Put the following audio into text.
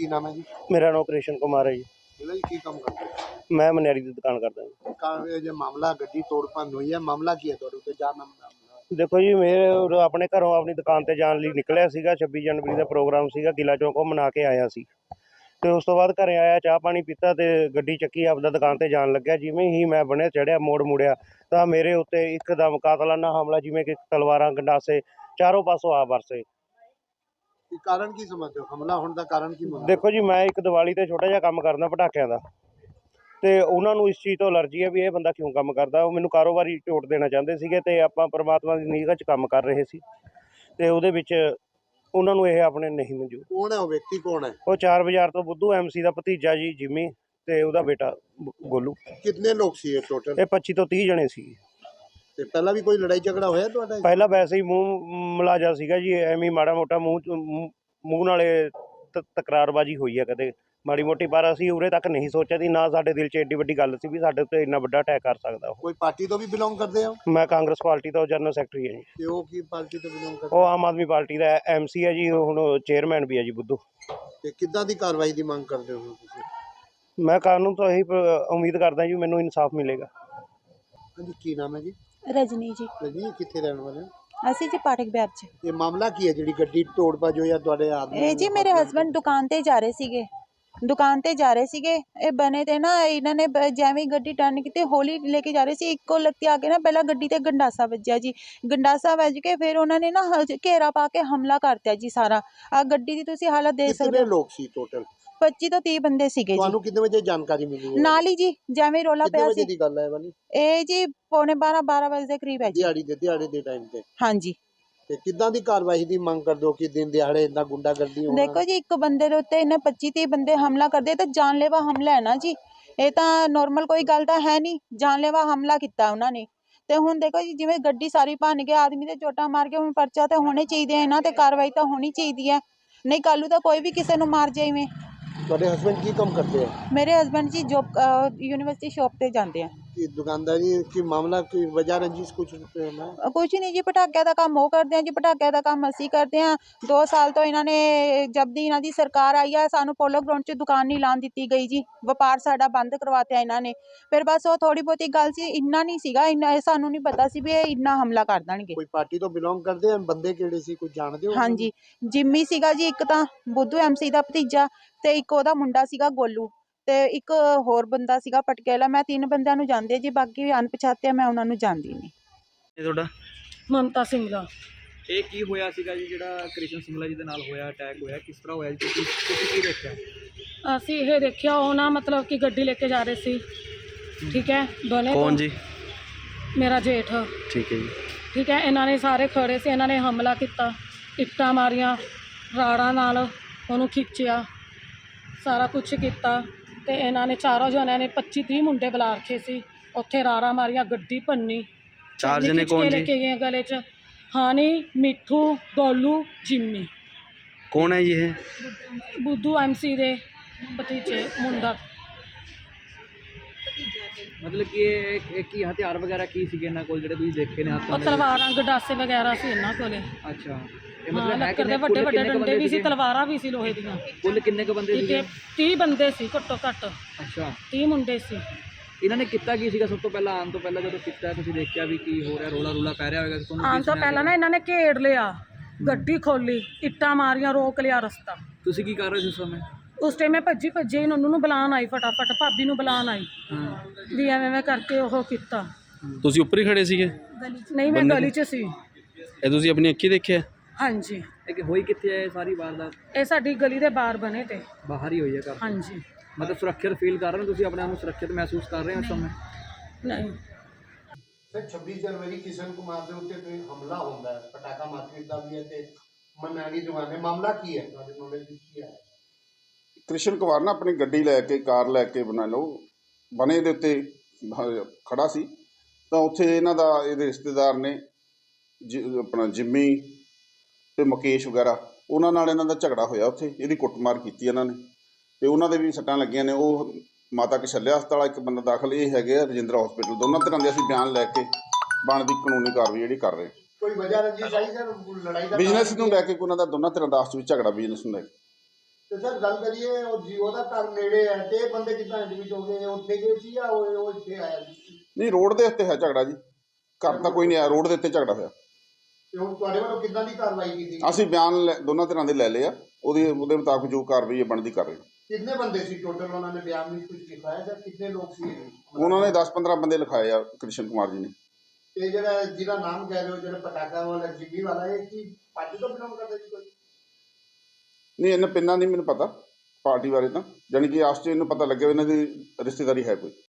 ਕੀ ਨਾਮ ਹੈ ਜੀ? ਮੇਰਾ ਨਾਮ ਕ੍ਰਿਸ਼ਨ ਕੁਮਾਰ ਹੈ ਜੀ। ਇਹਨਾਂ ਜੀ ਕੀ ਕੰਮ ਕਰਦੇ ਹੋ? ਮੈਂ ਮਨਿਆਰੀ ਦੀ ਦੁਕਾਨ ਕਰਦਾ ਜੀ। ਕਾਰ ਜੇ ਮਾਮਲਾ ਗੱਡੀ ਤੋੜ ਭੰਨ ਹੋਈ ਹੈ, ਮਾਮਲਾ ਕੀ ਹੈ ਤੁਹਾਡੇ ਉੱਤੇ? ਜਾਣ ਮਾਮਲਾ ਦੇਖੋ ਜੀ, ਮੇਰੇ ਆਪਣੇ ਘਰੋਂ ਆਪਣੀ ਦੁਕਾਨ ਤੇ ਜਾਣ ਲਈ ਨਿਕਲਿਆ ਸੀਗਾ। 26 ਜਨਵਰੀ ਦਾ ਪ੍ਰੋਗਰਾਮ ਸੀਗਾ, ਕਿਲਾ ਚੌਕ ਉਹ ਮਨਾ ਕੇ ਆਇਆ ਸੀ। ਤੇ ਉਸ ਤੋਂ ਬਾਅਦ ਘਰੇ ਆਇਆ, ਚਾਹ ਪਾਣੀ ਪੀਤਾ ਤੇ ਗੱਡੀ ਚੱਕੀ, ਆਪਦਾ ਦੁਕਾਨ ਤੇ ਜਾਣ ਲੱਗਿਆ। ਜਿਵੇਂ ਹੀ ਮੈਂ ਬਣੇ ਚੜਿਆ, ਮੋੜ ਮੁੜਿਆ ਤਾਂ ਮੇਰੇ ਉੱਤੇ ਇੱਕਦਮ ਕਾਤਲਾਨਾ ਹਮਲਾ, ਜਿਵੇਂ ਕਿ ਤਲਵਾਰਾਂ, ਗੰਡਾਸੇ ਚਾਰੋਂ ਪਾਸੋਂ ਆ ਵਰਸੇ। ਕਾਰਨ ਕੀ ਸਮਝਦੇ ਹੋ? ਹਮਲਾ ਹੋਣ ਦਾ ਕਾਰਨ ਕੀ ਮੰਨਦੇ ਹੋ? ਦੇਖੋ ਜੀ, ਮੈਂ ਇੱਕ ਦੀਵਾਲੀ ਤੇ ਛੋਟਾ ਜਿਹਾ ਕੰਮ ਕਰਦਾ ਪਟਾਕਿਆਂ ਦਾ, ਤੇ ਉਹਨਾਂ ਨੂੰ ਇਸ ਚੀਜ਼ ਤੋਂ ਅਲਰਜੀ ਹੈ ਵੀ ਇਹ ਬੰਦਾ ਕਿਉਂ ਕੰਮ ਕਰਦਾ। ਉਹ ਮੈਨੂੰ ਕਾਰੋਬਾਰੀ ਝੋਟ ਦੇਣਾ ਚਾਹੁੰਦੇ ਸੀਗੇ ਤੇ ਆਪਾਂ ਪਰਮਾਤਮਾ ਦੀ ਨਿਗਾਹ 'ਚ ਕੰਮ ਕਰ ਰਹੇ ਸੀ ਤੇ ਉਹਦੇ ਵਿੱਚ ਉਹਨਾਂ ਨੂੰ ਇਹ ਆਪਣੇ ਨਹੀਂ ਮਨਜ਼ੂਰ। ਕੌਣ ਹੈ ਉਹ ਵਿਅਕਤੀ? ਕੌਣ ਹੈ ਉਹ 4 ਬਾਜ਼ਾਰ ਤੋਂ ਬੁੱਧੂ MC ਦਾ ਭਤੀਜਾ ਜੀ ਜਿੰਮੀ, ਤੇ ਉਹਦਾ ਬੇਟਾ ਗੋਲੂ। ਕਿੰਨੇ ਲੋਕ ਸੀ ਇਹ ਟੋਟਲ? ਇਹ 25 ਤੋਂ 30 ਜਣੇ ਸੀ। ਤੇ ਪਹਿਲਾਂ ਵੀ ਕੋਈ ਲੜਾਈ ਝਗੜਾ ਹੋਇਆ ਤੁਹਾਡਾ? ਪਹਿਲਾਂ ਵੈਸੇ ਹੀ ਮੂੰਹ ਮਲਾਜਾ ਸੀਗਾ ਜੀ, ਐਵੇਂ ਹੀ ਮਾੜਾ ਮੋਟਾ ਮੂੰਹ ਨਾਲੇ ਤਕਰਾਰਬਾਜੀ ਹੋਈ ਹੈ ਕਦੇ ਮਾੜੀ ਮੋਟੀ, ਪਰ ਅਸੀਂ ਉਰੇ ਤੱਕ ਨਹੀਂ ਸੋਚਿਆ ਸੀ, ਨਾ ਸਾਡੇ ਦਿਲ 'ਚ ਐਡੀ ਵੱਡੀ ਗੱਲ ਸੀ ਵੀ ਸਾਡੇ ਉੱਤੇ ਇੰਨਾ ਵੱਡਾ ਅਟੈਕ ਕਰ ਸਕਦਾ ਉਹ। ਕੋਈ ਪਾਰਟੀ ਤੋਂ ਵੀ ਬਿਲੋਂਗ ਕਰਦੇ ਹੋ? ਮੈਂ ਕਾਂਗਰਸ ਪਾਰਟੀ ਦਾ ਜਨਰਲ ਸੈਕਟਰੀ ਹਾਂ ਜੀ। ਤੇ ਉਹ ਕੀ ਪਾਰਟੀ ਤੋਂ ਬਿਲੋਂਗ ਕਰਦੇ? ਉਹ ਆਮ ਆਦਮੀ ਪਾਰਟੀ ਦਾ MC ਹੈ ਜੀ, ਹੁਣ ਚੇਅਰਮੈਨ ਵੀ ਹੈ ਜੀ ਬੁੱਧੂ। ਤੇ ਕਿੱਦਾਂ ਦੀ ਕਾਰਵਾਈ ਦੀ ਮੰਗ ਕਰਦੇ ਹੋ ਤੁਸੀਂ? ਮੈਂ ਕਾਨੂੰਨ ਤੋਂ ਇਹੀ ਉਮੀਦ ਕਰਦਾ ਜੀ, ਮੈਨੂੰ ਇਨਸਾਫ ਮਿਲੇਗਾ। ਹਾਂਜੀ, ਕੀ ਨਾਮ ਹੈ ਜੀ? ਰਜਨੀ ਜੀ। ਰਜਨੀ, ਕਿੱਥੇ ਰਹਿਣ ਵਾਲੇ ਹੋ? ਅਸੀਂ ਜੀ ਪਾਠਕ ਬਿਹਾਰ ਚ। ਇਹ ਮਾਮਲਾ ਕੀ ਹੈ ਜਿਹੜੀ ਗੱਡੀ ਤੋੜ ਭੱਜ ਹੋਈ ਹੈ ਤੁਹਾਡੇ ਆਦਮੀ? ਇਹ ਜੀ ਮੇਰੇ ਹਸਬੰਡ ਦੁਕਾਨ ਤੇ ਜਾ ਰਹੇ ਸੀਗੇ, ਇਹ ਬਣੇ ਤੇ ਨਾ ਇਹਨਾਂ ਨੇ ਜਿਵੇਂ ਗੱਡੀ ਟਰਨ ਕੀਤੀ, ਹੌਲੀ ਲੈ ਕੇ ਜਾ ਰਹੇ ਸੀ, ਇੱਕੋ ਲੱਤੇ ਆ ਕੇ ਨਾ ਪਹਿਲਾਂ ਗੱਡੀ ਤੇ ਗੰਡਾਸਾ ਵੱਜਿਆ ਜੀ। ਗੰਡਾਸਾ ਵੱਜ ਕੇ ਫਿਰ ਉਹਨਾਂ ਨੇ ਨਾ ਘੇਰਾ ਪਾ ਕੇ ਹਮਲਾ ਕਰਤਾ ਜੀ ਸਾਰਾ। ਆ ਗੱਡੀ ਦੀ ਤੁਸੀਂ ਹਾਲਤ ਦੇਖ ਸਕਦੇ ਕਿੰਨੇ ਹੋ। ਲੋਕ ਸੀ ਟੋਟਲ? 25 ਤੋਂ 30 ਬੰਦੇ ਸੀਗੇ ਜੀ। ਤੁਹਾਨੂੰ ਕਿੰਨੇ ਵਜੇ ਜਾਣਕਾਰੀ ਮਿਲੀ ਹੈ? ਨਾਲ ਹੀ ਜੀ ਜਿਵੇਂ ਰੋਲਾ ਕਿੰਨੇ ਪਿਆ ਵਜੇ ਸੀ। ਦੀ ਗੱਲ ਹੈ ਵਾਲੀ? ਇਹ ਜੀ ਪੌਣੇ 12 ਵਜੇ ਦੇ ਕਰੀਬ ਹੈ ਜੀ। ਦਿਹਾੜੀ ਦੇ ਟਾਈਮ ਤੇ? ਹਾਂਜੀ। ਤੇ ਕਿੱਦਾਂ ਦੀ ਕਾਰਵਾਈ ਦੀ ਮੰਗ ਕਰਦੇ ਹੋ ਕਿ ਦਿਨ ਦਿਹਾੜੇ ਇੰਨਾ ਗੁੰਡਾਗਰਦੀ ਹੋਣਾ? ਦੇਖੋ ਜੀ, ਇੱਕ ਬੰਦੇ ਦੇ ਉੱਤੇ ਇਹਨੇ 25-30 ਬੰਦੇ ਹਮਲਾ ਕਰਦੇ ਤਾਂ ਜਾਨਲੇਵਾ ਹਮਲਾ ਹੈ ਨਾ ਜੀ। ਇਹ ਤਾਂ ਨੋਰਮਲ ਕੋਈ ਗੱਲ ਤਾਂ ਹੈ ਨਹੀਂ, ਜਾਨਲੇਵਾ ਹਮਲਾ ਕੀਤਾ ਉਹਨਾਂ ਨੇ। ਤੇ ਹੁਣ ਦੇਖੋ ਜੀ, ਜਿਵੇਂ ਗੱਡੀ ਸਾਰੀ ਭੰਨ ਕੇ ਆਦਮੀ ਤੇ ਚੋਟਾਂ ਮਾਰ ਕੇ, ਹੁਣ ਪਰਚਾ ਤਾਂ ਹੋਣੇ ਚਾਹੀਦੇ, ਇਹਨਾਂ ਤੇ ਕਾਰਵਾਈ ਤਾਂ ਹੋਣੀ ਚਾਹੀਦੀ ਹੈ, ਨਹੀਂ ਕੱਲ੍ਹ ਨੂੰ ਤਾਂ ਕੋਈ ਵੀ ਕਿਸੇ ਨੂੰ ਮਾਰ ਜਾਈਵੇਂ। ਤੁਹਾਡੇ ਹਸਬੰਡ ਕੀ ਕੰਮ ਕਰਦੇ ਆ? ਮੇਰੇ ਹਸਬੰਡ ਜੀ ਜੋਬ ਯੂਨੀਵਰਸਿਟੀ ਸ਼ੌਪ ਤੇ ਜਾਂਦੇ ਆ। ਕੀ ਦੁਕਾਨਦਾਰੀ ਕੀ ਮਾਮਲਾ, ਕੋਈ ਵਜ੍ਹਾ ਰੰਜਿਸ਼ ਕੁਛ ਹੈ? ਕੁਛ ਨਹੀਂ ਜੀ, ਪਟਾਕਿਆਂ ਦਾ ਕੰਮ ਉਹ ਕਰਦੇ ਆ ਜੀ, ਪਟਾਕਿਆਂ ਦਾ ਕੰਮ ਅਸੀਂ ਕਰਦੇ ਆ। 2 ਸਾਲ ਤੋਂ ਇਹਨਾਂ ਨੇ, ਜਦ ਦੀ ਇਹਨਾਂ ਦੀ ਸਰਕਾਰ ਆਈ ਆ, ਸਾਨੂੰ ਪੋਲੋ ਗਰਾਊਂਡ 'ਚ ਦੁਕਾਨ ਨਹੀਂ ਲਾਉਣ ਦਿੱਤੀ ਗਈ ਜੀ। ਵਪਾਰ ਸਾਡਾ ਬੰਦ ਕਰਵਾਤਿਆ ਇਹਨਾਂ ਨੇ। ਫਿਰ ਬਸ ਉਹ ਥੋੜੀ ਬਹੁਤੀ ਗੱਲ ਸੀ, ਇੰਨਾ ਨਹੀਂ ਸੀਗਾ, ਇੰਨਾ ਸਾਨੂੰ ਨਹੀਂ ਪਤਾ ਸੀ ਵੀ ਇਹ ਇੰਨਾ ਹਮਲਾ ਕਰ ਦੇਣਗੇ। ਕੋਈ ਪਾਰਟੀ ਤੋਂ ਬਿਲੋਂਗ ਕਰਦੇ ਆ? ਬੰਦੇ ਕਿਹੜੇ ਸੀ, ਕੁਝ ਜਾਣਦੇ ਹੋ? ਹਾਂਜੀ, ਜਿੰਮੀ ਸੀਗਾ ਜੀ ਇੱਕ ਤਾਂ, ਬੁੱਧੂ MC ਦਾ ਭਤੀਜਾ, ਤੇ ਇੱਕ ਉਹਦਾ ਮੁੰਡਾ ਸੀਗਾ ਗੋਲੂ, ਤੇ ਇੱਕ ਹੋਰ ਬੰਦਾ ਸੀਗਾ ਪਟਕੇਲਾ। ਮੈਂ 3 ਬੰਦਿਆਂ ਨੂੰ ਜਾਣਦੀ ਜੀ, ਬਾਕੀ ਅਣਪਛਾਤੇ ਮੈਂ ਉਹਨਾਂ ਨੂੰ ਜਾਣਦੀ ਨਹੀਂ। ਇਹ ਤੁਹਾਡਾ? ਮਮਤਾ ਸਿੰਘਲਾ। ਇਹ ਕੀ ਹੋਇਆ ਸੀਗਾ ਜੀ ਜਿਹੜਾ ਕ੍ਰਿਸ਼ਨ ਸਿੰਘਲਾ ਜੀ ਦੇ ਨਾਲ ਹੋਇਆ, ਅਟੈਕ ਹੋਇਆ, ਕਿਸ ਤਰ੍ਹਾਂ ਹੋਇਆ ਜੀ? ਤੁਸੀਂ ਕੀ ਦੇਖਿਆ? ਅਸੀਂ ਇਹ ਦੇਖਿਆ, ਉਹ ਨਾ ਮਤਲਬ ਕਿ ਗੱਡੀ ਲੈ ਕੇ ਜਾ ਰਹੇ ਸੀ, ਠੀਕ ਹੈ, ਦੋਨੇ। ਕੌਣ ਜੀ? ਮੇਰਾ ਜੇਠ। ਠੀਕ ਹੈ ਜੀ। ਠੀਕ ਹੈ, ਇਹਨਾਂ ਨੇ ਸਾਰੇ ਖੜੇ ਸੀ, ਇਹਨਾਂ ਨੇ ਹਮਲਾ ਕੀਤਾ, ਇੱਟਾਂ ਮਾਰੀਆਂ, ਰਾੜਾਂ ਨਾਲ ਉਹਨੂੰ ਖਿੱਚਿਆ, ਸਾਰਾ ਕੁਛ ਕੀਤਾ। ਤੇ ਇਹਨਾਂ ਨੇ ਚਾਰੋਂ ਜਣਿਆਂ ਨੇ 25-30 ਮੁੰਡੇ ਬੁਲਾ ਰੱਖੇ ਸੀ, ਉੱਥੇ ਰਾੜਾਂ ਮਾਰੀਆਂ, ਗੱਡੀ ਭੰਨੀ। 4 ਜਣੇ ਕੌਣ ਜੀ? ਲੈ ਕੇ ਗਏ ਗਲੇ 'ਚ। ਹਾਨੀ, ਮਿੱਠੂ, ਗੋਲੂ, ਜਿੰਮੀ। ਕੌਣ ਹੈ ਜੀ ਇਹ? ਬੁੱਧੂ MC ਦੇ ਭਤੀਜੇ, ਮੁੰਡਾ। ਮਤਲਬ ਕਿ ਇਹ ਕੀ ਹਥਿਆਰ ਵਗੈਰਾ ਕੀ ਸੀਗੇ ਇਹਨਾਂ ਕੋਲ ਜਿਹੜੇ ਤੁਸੀਂ ਦੇਖੇ ਨੇ ਹੱਥਾਂ ਉਹ ਦੇ? ਤਲਵਾਰਾਂ, ਗੰਡਾਸੇ ਵਗੈਰਾ ਸੀ ਇਹਨਾਂ ਕੋਲੇ। ਅੱਛਾ, ਇਹ ਹਾਂ, ਮਤਲਬ ਲੱਕੜ ਦੇ ਵੱਡੇ ਵੱਡੇ ਡੰਡੇ ਵੀ ਸੀ, ਤਲਵਾਰਾਂ ਵੀ ਸੀ ਲੋਹੇ ਦੀਆਂ। ਕੁੱਲ ਕਿੰਨੇ ਕੁ ਬੰਦੇ ਸੀਗੇ? 30 ਬੰਦੇ ਸੀ ਘੱਟੋ ਘੱਟ। ਅੱਛਾ, 30 ਮੁੰਡੇ ਸੀ। ਇਹਨਾਂ ਨੇ ਕੀਤਾ ਕੀ ਸੀਗਾ? ਸਭ ਤੋਂ ਪਹਿਲਾਂ ਆਉਣ ਤੋਂ ਪਹਿਲਾਂ ਜਦੋਂ ਕੀਤਾ ਤੁਸੀਂ ਦੇਖਿਆ ਵੀ ਕੀ ਹੋ ਰਿਹਾ, ਰੋਲਾ ਪੈ ਰਿਹਾ ਹੋਵੇਗਾ ਤੁਹਾਨੂੰ? ਆਉਣ ਤੋਂ ਪਹਿਲਾਂ ਨਾ ਇਹਨਾਂ ਨੇ ਘੇੜ ਲਿਆ, ਗੱਡੀ ਖੋਲੀ, ਇੱਟਾਂ ਮਾਰੀਆਂ, ਰੋਕ ਲਿਆ ਰਸਤਾ। ਤੁਸੀਂ ਕੀ ਕਰ ਰਹੇ ਸੀ ਉਸ ਸਮੇਂ? ਉਸ ਟਾਈਮ ਮੈਂ ਭੱਜੀ ਹੀ ਨੰਨੂ ਨੂੰ ਬੁਲਾਉਣ ਆਈ, ਫਟਾਫਟ ਭਾਬੀ ਨੂੰ ਬੁਲਾਉਣ ਆਈ ਹਾਂ, ਵੀ ਐਵੇਂ ਕਰਕੇ ਉਹ ਕੀਤਾ। ਤੁਸੀਂ ਉੱਪਰ ਹੀ ਖੜੇ ਸੀਗੇ? ਨਹੀਂ, ਮੈਂ ਗਲੀ 'ਚ ਸੀ। ਇਹ ਤੁਸੀਂ ਆਪਣੀ ਅੱਖੀਂ ਦੇਖਿਆ? ਹਾਂਜੀ। ਇਹ ਹੋਈ ਕਿੱਥੇ ਹੈ ਸਾਰੀ ਵਾਰਦਾਤ? ਇਹ ਸਾਡੀ ਗਲੀ ਦੇ ਬਾਹਰ ਬਣੇ ਤੇ। ਬਾਹਰ ਹੀ ਹੋਈ ਹੈ ਘਰ? ਹਾਂਜੀ। ਮਤਲਬ ਸੁਰੱਖਿਅਤ ਫੀਲ ਕਰ ਰਹੇ ਹੋ ਤੁਸੀਂ? ਆਪਣੇ ਆਪ ਨੂੰ ਸੁਰੱਖਿਅਤ ਮਹਿਸੂਸ ਕਰ ਰਹੇ ਹੋ ਇਸ ਸਮੇਂ? ਨਹੀਂ। ਸਰ 26 ਜਨਵਰੀ ਕਿਸ਼ਨ ਕੁਮਾਰ ਦੇ ਉੱਤੇ ਕੋਈ ਹਮਲਾ ਹੁੰਦਾ ਹੈ, ਪਟਾਕਾ ਮਾਰਕੀਟ ਦਾ ਵੀ ਹੈ ਤੇ ਮਨਾਲੀ ਦੁਕਾਨ ਹੈ, ਮਾਮਲਾ ਕੀ ਹੈ ਤੁਹਾਡੇ ਨੌਲੇਜ ਵਿੱਚ ਕੀ ਹੈ? ਕ੍ਰਿਸ਼ਨ ਕੁਮਾਰ ਨਾ ਆਪਣੀ ਗੱਡੀ ਲੈ ਕੇ, ਕਾਰ ਲੈ ਕੇ ਬਣਾ ਲਓ ਬਣੇ ਦੇ ਉੱਤੇ ਖੜਾ ਸੀ, ਤਾਂ ਉੱਥੇ ਇਹਨਾਂ ਦਾ, ਇਹਦੇ ਰਿਸ਼ਤੇਦਾਰ ਨੇ ਆਪਣਾ ਜਿੰਮੀ ਤੇ ਮੁਕੇਸ਼ ਵਗੈਰਾ, ਉਹਨਾਂ ਨਾਲ ਇਹਨਾਂ ਦਾ ਝਗੜਾ ਹੋਇਆ। ਉੱਥੇ ਇਹਦੀ ਕੁੱਟਮਾਰ ਕੀਤੀ ਇਹਨਾਂ ਨੇ, ਤੇ ਉਹਨਾਂ ਦੇ ਵੀ ਸੱਟਾਂ ਲੱਗੀਆਂ ਨੇ। ਉਹ ਮਾਤਾ ਕਸ਼ਲਿਆ ਹਸਪਤਾਲ ਇੱਕ ਬੰਦਾ ਦਾਖਲ, ਇਹ ਹੈਗੇ ਆ ਰਜਿੰਦਰਾ ਹਸਪੀਟਲ। ਦੋਨਾਂ ਤਰ੍ਹਾਂ ਦੇ ਅਸੀਂ ਬਿਆਨ ਲੈ ਕੇ ਬਣਦੀ ਕਾਨੂੰਨੀ ਕਾਰਵਾਈ ਜਿਹੜੀ ਕਰ ਰਹੇ। ਕੋਈ ਵਜ੍ਹਾ ਰੰਜਿਸ਼ ਆਈ ਸਰ ਲੜਾਈ ਦਾ? ਬਿਜ਼ਨਸ ਨੂੰ ਲੈ ਕੇ ਉਹਨਾਂ ਦਾ ਦੋਨਾਂ ਤਰ੍ਹਾਂ ਦਾ ਆਪਸ ਵਿੱਚ ਝਗੜਾ, ਬਿਜ਼ਨਸ ਨੂੰ ਲੈ ਕੇ। ਤੇ ਸਰ ਗੱਲ ਕਰੀਏ ਉਹ ਜੀਓ ਦਾ ਘਰ ਨੇੜੇ ਹੈ ਤੇ ਇਹ ਬੰਦੇ ਕਿੱਦਾਂ ਐਡਮਿਟ ਹੋ ਗਏ, ਉੱਥੇ ਗਏ ਸੀ ਜਾਂ ਉਹ ਇੱਥੇ ਆਇਆ ਸੀ? ਨਹੀਂ, ਰੋਡ ਦੇ ਉੱਤੇ ਹੈ ਝਗੜਾ ਜੀ, ਘਰ ਤਾਂ ਕੋਈ ਨਹੀਂ ਆਇਆ, ਰੋਡ ਦੇ ਉੱਤੇ ਝਗੜਾ ਹੋਇਆ। ਤੇ ਹੁਣ ਤੁਹਾਡੇ ਵੱਲੋਂ ਕਿੱਦਾਂ ਦੀ ਕਾਰਵਾਈ ਕੀਤੀ? ਅਸੀਂ ਬਿਆਨ ਦੋਨਾਂ ਧਿਰਾਂ ਦੇ ਲੈ ਲਏ ਆ, ਉਹਦੇ ਮੁਤਾਬਕ ਜੋ ਕਾਰਵਾਈ ਹੈ ਬਣਦੀ ਕਰ ਰਹੇ ਹਾਂ। ਕਿੰਨੇ ਬੰਦੇ ਸੀ ਟੋਟਲ, ਉਹਨਾਂ ਨੇ ਬਿਆਨ ਵਿੱਚ ਕੁਝ ਲਿਖਾਇਆ ਜਾਂ ਕਿੰਨੇ ਲੋਕ ਸੀ? ਉਹਨਾਂ ਨੇ 10-15 ਬੰਦੇ ਲਿਖਾਏ ਆ ਕ੍ਰਿਸ਼ਨ ਕੁਮਾਰ ਜੀ ਨੇ। ਤੇ ਜਿਹਦਾ ਨਾਮ ਕਹਿ ਰਹੇ ਹੋ, ਜਿਹੜਾ ਪਟਾਕਾ ਵਾਲਾ ਜਿੱਗੀ ਵਾਲਾ, ਇਹ ਕੀ ਪਾਰਟੀ ਤੋਂ ਬਿਲੋਂਗ ਕਰਦਾ ਜੀ ਕੋਈ? ਨਹੀਂ, ਇਹਨਾਂ ਪਿੰਨਾਂ ਨਹੀਂ ਮੈਨੂੰ ਪਤਾ ਪਾਰਟੀ ਬਾਰੇ, ਤਾਂ ਜਾਣੀ ਕਿ ਆਸ 'ਚ ਇਹਨੂੰ ਪਤਾ ਲੱਗਿਆ ਵੀ ਇਹਨਾਂ ਦੀ ਰਿਸ਼ਤੇਦਾਰੀ ਹੈ ਕੋਈ।